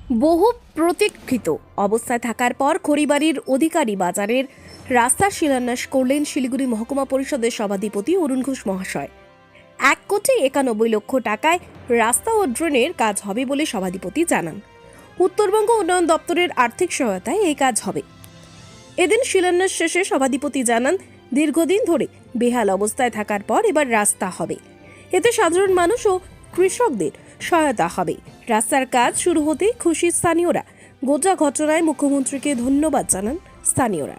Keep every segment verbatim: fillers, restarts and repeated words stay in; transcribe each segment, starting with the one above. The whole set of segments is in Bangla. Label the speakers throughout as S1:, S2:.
S1: বহু প্রতীক্ষিত অবস্থায় থাকার পর খড়িবাড়ির অধিকারী বাজারের রাস্তার শিলান্যাস করলেন শিলিগুড়ি মহকুমা পরিষদের সভাধিপতি অরুণ ঘোষ মহাশয়। এক কোটি একানব্বই লক্ষ টাকায় রাস্তা ও ড্রেনের কাজ হবে বলে সভাধিপতি জানান। উত্তরবঙ্গ উন্নয়ন দপ্তরের আর্থিক সহায়তায় এই কাজ হবে। এদিন শিলান্যাস শেষে সভাধিপতি জানান, দীর্ঘদিন ধরে বেহাল অবস্থায় থাকার পর এবার রাস্তা হবে। এতে সাধারণ মানুষ ও কৃষকদের সহায়তা হবে। রাস্তার কাজ শুরু হতেই খুশি স্থানীয়রা। গোটা ঘটনায় মুখ্যমন্ত্রীকে ধন্যবাদ জানান স্থানীয়রা।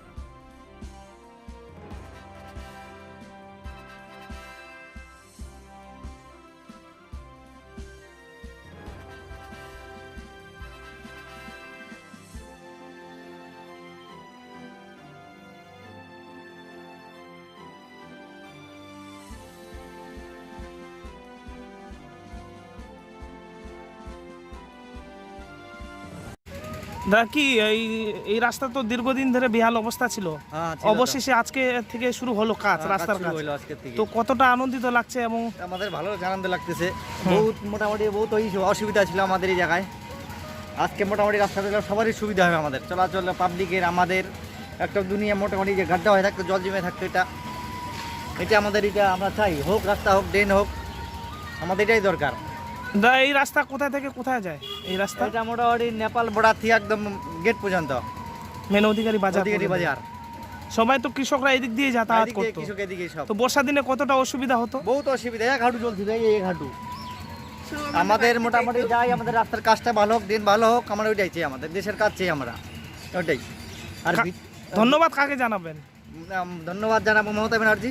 S2: দাদা কি এই এই রাস্তা তো দীর্ঘদিন ধরে বেহাল অবস্থা ছিল,
S3: হ্যাঁ, ছিল তো।
S2: অবশেষে আজকে থেকে শুরু হলো কাজ,
S3: হ্যাঁ,
S2: রাস্তার
S3: কাজ
S2: কাজ।
S3: শুরু হলো আজকের থেকে।
S2: তো কতটা আনন্দিত লাগছে এবং
S3: আমাদের ভালো আনন্দ লাগতেছে। বহুত মোটামুটি বহুত ওই অসুবিধা ছিল আমাদের এই জায়গায়। আজকে মোটামুটি রাস্তাটা সবারই সুবিধা হবে, আমাদের চলাচল পাবলিকের, আমাদের একটা দুনিয়া মোটামুটি যে গাড্ডা হয়ে থাকতো, জল জমে থাকতো, এটা এটা আমাদের এটা আমরা চাই হোক, রাস্তা হোক, ড্রেন হোক, আমাদের এটাই দরকার।
S2: দাদা এই রাস্তা কোথা থেকে কোথায় যায়? এই রাস্তা
S3: এটা মোটামুটি নেপাল বর্ডার থেকে একদম গেট পর্যন্ত
S2: মেন অধিকারী বাজার
S3: অধিকারী
S2: পর্যন্ত।
S3: বাজার।
S2: সবাই তো কৃষকরা এদিক দিয়ে যাতায়াত
S3: এদিকে
S2: করতো,
S3: কৃষক এদিকে সব
S2: তো বর্ষা দিনে কতটা অসুবিধা হতো?
S3: বহুত অসুবিধা, এক হাঁটু চলছিল, এই এক হাঁটু। আমাদের মোটামুটি যাই, আমাদের রাস্তার কাজটা ভালো হোক, দিন ভালো হোক, আমরা ওইটাই চাই, আমাদের দেশের কাজ চাই আমরা, ওইটাই। আর
S2: কা-
S3: ভি-
S2: ধন্যবাদ কাকে জানাবেন?
S3: উম, ধন্যবাদ জানাবো মমতা ব্যানার্জি।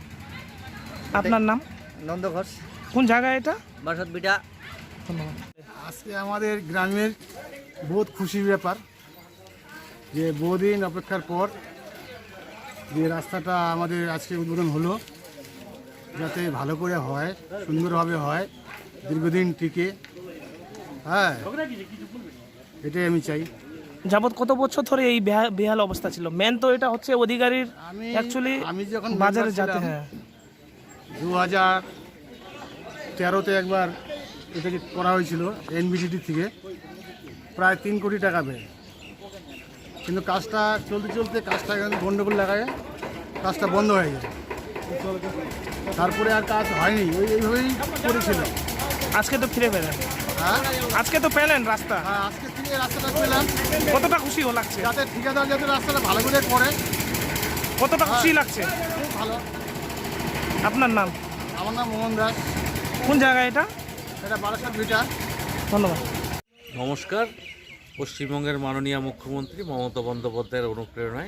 S2: আপনার নাম?
S3: নন্দ ঘোষ,
S2: কোন জায়গায় এটা?
S3: বাসদ বিটা।
S2: ধন্যবাদ।
S4: আজকে আমাদের গ্রামের বহুত খুশির ব্যাপার যে বহুদিন অপেক্ষার পর যে রাস্তাটা আমাদের আজকে উদ্বোধন হলো, যাতে ভালো করে হয়, সুন্দরভাবে হয়, দীর্ঘদিন টিকে। হ্যাঁ, এটাই আমি চাই।
S2: যাবত কত বছর ধরে এই বেহা- বেহাল অবস্থা ছিল? মেন তো এটা হচ্ছে অধিকারীর
S4: আমি
S2: অ্যাকচুয়ালি
S4: আমি যখন
S2: বাজারে
S4: member
S2: যাতে,
S4: ছিলাম,
S2: হ্যাঁ
S4: দু হাজার তেরোতে একবার এটাকে করা হয়েছিল এনবিডিটি থেকে, প্রায় তিন কোটি টাকা ব্যয়। কিন্তু কাজটা চলতে চলতে কাজটা কিন্তু গণ্ডগোল লাগায় কাজটা বন্ধ হয়ে যায়। তারপরে আর কাজ হয়নি, ওই এইভাবেই করেছিল।
S2: আজকে তো ফিরে পেলেন,
S4: হ্যাঁ,
S2: আজকে তো পেলেন রাস্তা,
S4: হ্যাঁ, আজকে থেকে রাস্তাটা পেলাম,
S2: কতটা খুশি ও লাগছে?
S4: যাতে ঠিকাদার যাতে রাস্তাটা ভালো করে করে,
S2: কতটা খুশি লাগছে?
S4: খুব ভালো।
S2: আপনার নাম?
S4: আমার নাম মোহন দাস,
S2: কোন জায়গায় এটা?
S4: এটা বারাসাত ভিটা।
S2: ধন্যবাদ।
S5: নমস্কার। পশ্চিমবঙ্গের মাননীয় মুখ্যমন্ত্রী মমতা বন্দ্যোপাধ্যায়ের অনুপ্রেরণায়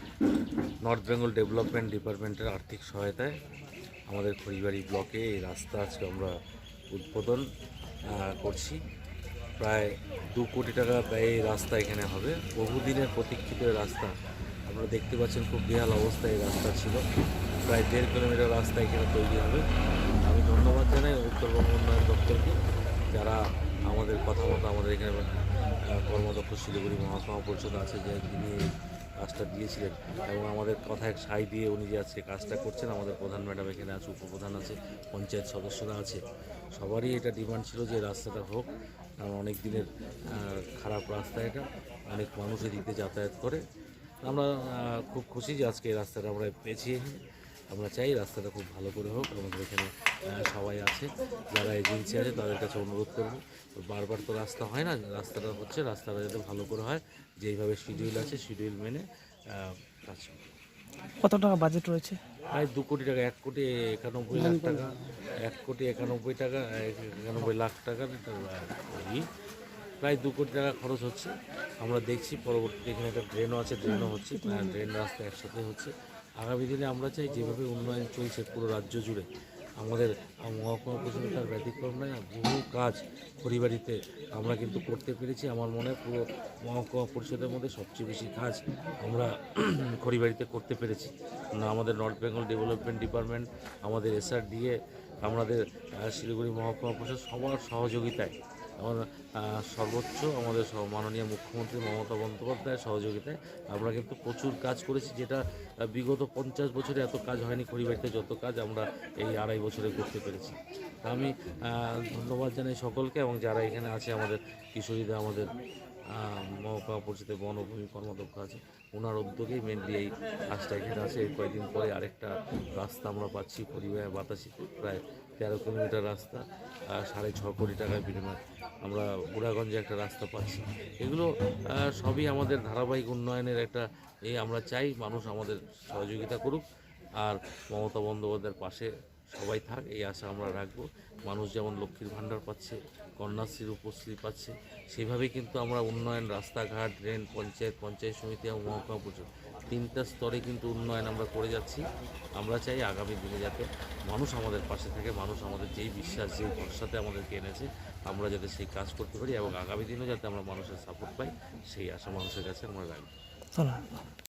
S5: নর্থ বেঙ্গল ডেভেলপমেন্ট ডিপার্টমেন্টের আর্থিক সহায়তায় আমাদের খড়িবাড়ি ব্লকে এই রাস্তা আজকে আমরা উদ্বোধন আহ, করছি। প্রায় দু কোটি টাকা ব্যয়ে এই রাস্তা এখানে হবে। বহুদিনের প্রতীক্ষিত এই রাস্তা, আপনারা দেখতে পাচ্ছেন খুব বেহাল অবস্থায় এই রাস্তা ছিল। প্রায় দেড় কিলোমিটার রাস্তা এখানে তৈরি হবে। আমি ধন্যবাদ জানাই উত্তরবঙ্গ উন্নয়ন দপ্তরকে, যারা আমাদের কথা মতো আমাদের এখানে আহ, কর্মদক্ষ শিলিগুড়ি মহকুমা পরিষদ আছে, যে যিনি এই কাজটা দিয়েছিলেন এবং আমাদের কথায় সাই দিয়ে উনি যে আজকে কাজটা করছেন। আমাদের প্রধান ম্যাডাম এখানে আছে, উপপ্রধান আছে, পঞ্চায়েত সদস্যরা আছে, সবারই এটা ডিমান্ড ছিল যে রাস্তাটা হোক, কারণ অনেক দিনের আহ, খারাপ রাস্তা, এটা অনেক মানুষ এদিকে যাতায়াত করে। আমরা আহ, খুব খুশি যে আজকে এই রাস্তাটা আমরা পেয়েছি। আমরা চাই রাস্তাটা খুব ভালো করে হোক। আমাদের এখানে আহ, সবাই আছে, যারা এজেন্সি আছে তাদের কাছে অনুরোধ করব, বারবার তো রাস্তা হয় না, রাস্তাটা হচ্ছে, রাস্তাটা যাতে ভালো করে হয়, যেইভাবে শিডিউল আছে শিডিউল মেনে আহ, কাজ হবে।
S2: কত টাকা বাজেট রয়েছে?
S5: প্রায় দু কোটি টাকা, এক কোটি একানব্বই লাখ টাকা, এক কোটি একানব্বই টাকা একানব্বই লাখ টাকার একটা ই, প্রায় দু কোটি টাকা খরচ হচ্ছে। আমরা দেখছি পরবর্তীতে এখানে একটা ড্রেনও আছে, ড্রেনও হচ্ছে, ড্রেন রাস্তা একসাথে হচ্ছে। আগামী দিনে আমরা চাই যেভাবে উন্নয়ন চলছে পুরো রাজ্য জুড়ে, আমাদের মহকুমা পরিষদে তার ব্যতিক্রম নয়। বহু কাজ খড়িবাড়িতে আমরা কিন্তু করতে পেরেছি। আমার মনে হয় পুরো মহকুমা পরিষদের মধ্যে সবচেয়ে বেশি কাজ আমরা খড়িবাড়িতে করতে পেরেছি। না, আমাদের নর্থ বেঙ্গল ডেভেলপমেন্ট ডিপার্টমেন্ট, আমাদের এসআর দিয়ে, আমাদের আহ, শিলিগুড়ি মহকুমা পরিষদ সবার সহযোগিতায় এবং আহ, সর্বোচ্চ আমাদের স- মাননীয় মুখ্যমন্ত্রী মমতা বন্দ্যোপাধ্যায়ের সহযোগিতায় আমরা কিন্তু প্রচুর কাজ করেছি, যেটা আহ, বিগত পঞ্চাশ বছরে এত কাজ হয়নি। খড়িবাড়িতে যত কাজ আমরা এই আড়াই বছরে করতে পেরেছি। তা আমি আহ, ধন্যবাদ জানাই সকলকে, এবং যারা এখানে আছে আমাদের কিশোরীরা, আমাদের আহ, মহকুমা পরিষদের বনভূমি কর্মাধ্যক্ষ আছে, ওনার উদ্যোগেই মেনলি এই কাজটা এখানে আছে। এই কয়েকদিন পরে আরেকটা রাস্তা আমরা পাচ্ছি পরিবারে বাতাসিতে, প্রায় তেরো কিলোমিটার রাস্তা, আহ, সাড়ে ছ কোটি টাকার বিনিময়ে আমরা বুড়াগঞ্জে একটা রাস্তা পাচ্ছি। এগুলো আহ, সবই আমাদের ধারাবাহিক উন্নয়নের একটা এই আমরা চাই মানুষ আমাদের সহযোগিতা করুক, আর মমতা বন্দ্যোপাধ্যায়ের পাশে সবাই থাক, এই আশা আমরা রাখবো। মানুষ যেমন লক্ষ্মীর ভাণ্ডার পাচ্ছে, কন্যাশ্রীর উপশ্রী পাচ্ছে, সেইভাবেই কিন্তু আমরা উন্নয়ন, রাস্তাঘাট, ড্রেন, পঞ্চায়েত, পঞ্চায়েত সমিতি এবং মহকুমা পরিষদ তিনটা স্তরে কিন্তু উন্নয়ন আমরা করে যাচ্ছি। আমরা চাই আগামী দিনে যাতে মানুষ আমাদের পাশে থাকে, মানুষ আমাদের যেই বিশ্বাস, যেই ভরসাতে আমাদেরকে এনেছে, আমরা যাতে সেই কাজ করতে পারি, এবং আগামী দিনেও যাতে আমরা মানুষের সাপোর্ট পাই, সেই আশা মানুষের কাছে আমরা রাখবো।